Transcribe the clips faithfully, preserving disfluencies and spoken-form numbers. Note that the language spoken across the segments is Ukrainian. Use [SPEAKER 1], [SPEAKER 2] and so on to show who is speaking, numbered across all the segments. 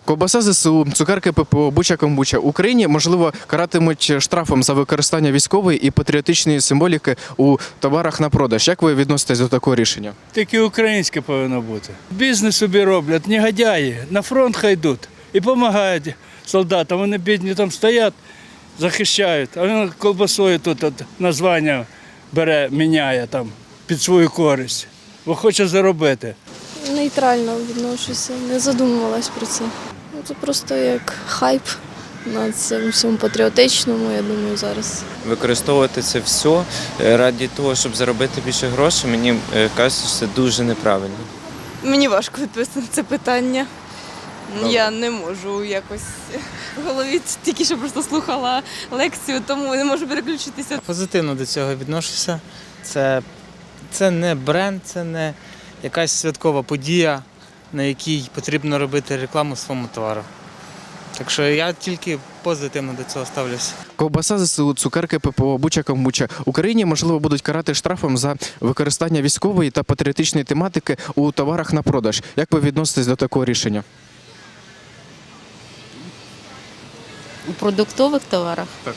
[SPEAKER 1] Ковбаса ЗСУ, цукерки ППО, буча-комбуча. Україні, можливо, каратимуть штрафом за використання військової і патріотичної символіки у товарах на продаж. Як ви відноситесь до такого рішення?
[SPEAKER 2] Тільки українське повинно бути. Бізнес собі роблять, негодяї, на фронт хай йдуть і допомагають солдатам. Вони бідні там стоять, захищають, а він колбасою тут от названня бере, міняє там під свою користь, бо хоче заробити.
[SPEAKER 3] Нейтрально відношуся, не задумувалась про це. Ну, це просто як хайп на цьому всьому патріотичному, я думаю, зараз.
[SPEAKER 4] Використовувати це все раді того, щоб заробити більше грошей, мені кажеться, що це дуже неправильно.
[SPEAKER 5] Мені важко відповісти на це питання.
[SPEAKER 1] Добре.
[SPEAKER 5] Я не можу якось в голові тільки що просто слухала лекцію, тому не можу переключитися.
[SPEAKER 6] Позитивно до цього відношуся. Це, це не бренд, це не якась святкова подія, на якій потрібно робити рекламу своєму товару. Так що я тільки позитивно до цього ставлюся.
[SPEAKER 1] Ковбаса ЗСУ, цукерки ППО, буча-комбуча. Україні, можливо, будуть карати штрафом за використання військової та патріотичної тематики у товарах на продаж. Як ви відноситесь до такого рішення?
[SPEAKER 7] У продуктових товарах?
[SPEAKER 1] Так.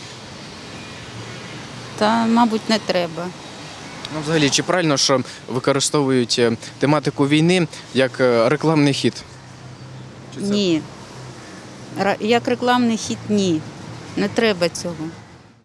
[SPEAKER 7] Та, мабуть, не треба.
[SPEAKER 1] Ну, взагалі, чи правильно, що використовують тематику війни як рекламний хід? Чи це...
[SPEAKER 7] Ні. Ра- Як рекламний хід – ні. Не треба цього.